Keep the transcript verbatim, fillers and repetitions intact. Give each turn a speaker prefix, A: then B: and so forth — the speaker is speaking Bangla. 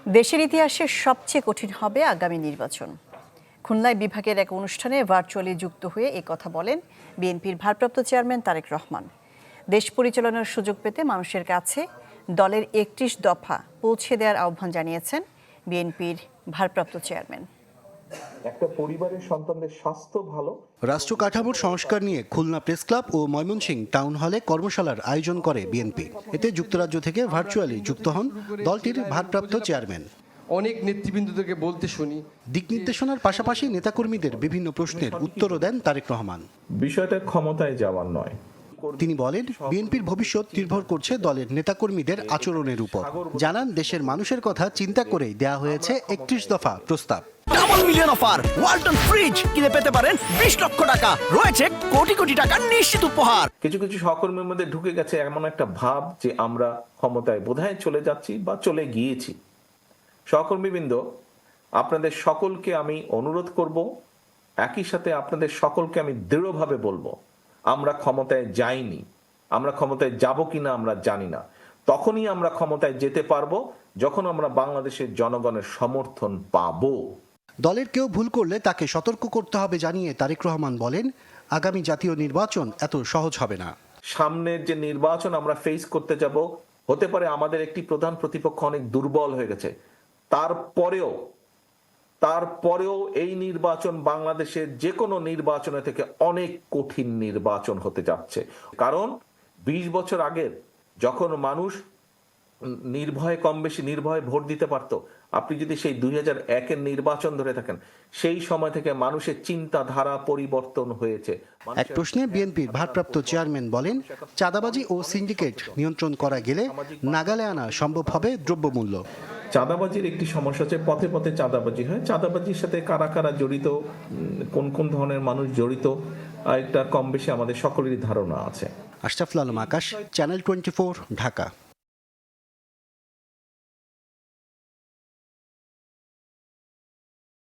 A: দেশের ইতিহাসে সবচেয়ে কঠিন হবে আগামী নির্বাচন। খুলনায় বিভাগের এক অনুষ্ঠানে ভার্চুয়ালি যুক্ত হয়ে এ কথা বলেন বিএনপির ভারপ্রাপ্ত চেয়ারম্যান তারেক রহমান। দেশ পরিচালনার সুযোগ পেতে মানুষের কাছে দলের একত্রিশ দফা পৌঁছে দেওয়ার আহ্বান জানিয়েছেন বিএনপির ভারপ্রাপ্ত চেয়ারম্যান।
B: একটা পরিবারের সন্তানদের স্বাস্থ্য ভালো।
C: রাষ্ট্র কাঠামোর সংস্কার নিয়ে খুলনা প্রেস ক্লাব ও ময়মনসিংহ টাউন হলে কর্মশালার আয়োজন করে বিএনপি। এতে যুক্তরাজ্য থেকে ভার্চুয়ালি যুক্ত হন দলটির ভারপ্রাপ্ত চেয়ারম্যান।
D: অনেক নেতৃবৃন্দদেরকে বলতে শুনি,
C: দিক নির্দেশনার পাশাপাশি নেতাকর্মীদের বিভিন্ন প্রশ্নের উত্তরও দেন তারেক রহমান।
B: বিষয়টা ক্ষমতায় যাওয়ার নয়।
C: তিনি বলেন, বিএনপির ভবিষ্যৎ নির্ভর করছে দলের নেতাকর্মীদের আচরণের উপর। জানান, দেশের মানুষের কথা চিন্তা করেই দেয়া হয়েছে একত্রিশ দফা প্রস্তাব।
E: Double million offer Walton fridge কিনে পেতে পারেন বিশ লক্ষ টাকা, রয়েছে কোটি কোটি টাকার নিশ্চিত উপহার।
B: কিছু কিছু সহকর্মীর মধ্যে ঢুকে গেছে এমন একটা ভাব যে আমরা ক্ষমতায় বোধহয় চলে যাচ্ছি বা চলে গিয়েছি। সহকর্মীবৃন্দ, আপনাদের সকলকে আমি অনুরোধ করব, একই সাথে আপনাদের সকলকে আমি দৃঢ়ভাবে বলবো, আমরা ক্ষমতায় যাইনি। আমরা ক্ষমতায় যাব কিনা আমরা জানি না। তখনই আমরা ক্ষমতায় যেতে পারবো যখন আমরা বাংলাদেশের জনগণের সমর্থন পাবো।
C: দলের কেউ ভুল করলে তাকে সতর্ক করতে হবে জানিয়ে তারেক রহমান বলেন, আগামী জাতীয় নির্বাচন এত সহজ হবে না।
B: সামনের যে নির্বাচন আমরা ফেস করতে যাব, হতে পারে আমাদের একটি প্রধান প্রতিপক্ষ অনেক দুর্বল হয়ে গেছে। তারপরেও তারপরেও এই নির্বাচন বাংলাদেশের যে কোনো নির্বাচনের থেকে অনেক কঠিন নির্বাচন হতে যাচ্ছে। কারণ বিশ বছর আগের যখন মানুষ নির্ভয়ে কম বেশি নির্ভয়ে ভোট দিতে পারত, আপনি যদি সেই দুই হাজার একের নির্বাচন ধরে থাকেন, সেই সময় থেকে মানুষের চিন্তাধারা পরিবর্তন হয়েছে।
C: এক প্রশ্নে বিএনপির ভারপ্রাপ্ত চেয়ারম্যান বলেন, চাঁদাবাজি ও সিন্ডিকেট নিয়ন্ত্রণ করা গেলে নাগালে আনা সম্ভব হবে দ্রব্যমূল্য।
B: চাঁদাবাজির একটি সমস্যা হচ্ছে পথে পথে চাঁদাবাজি হয়। চাঁদাবাজির সাথে কারা কারা জড়িত, কোন কোন ধরনের মানুষ জড়িত, একটা কম বেশি আমাদের সকলেরই ধারণা আছে।
C: Ashraful Alam Akash, channel twenty, Dhaka.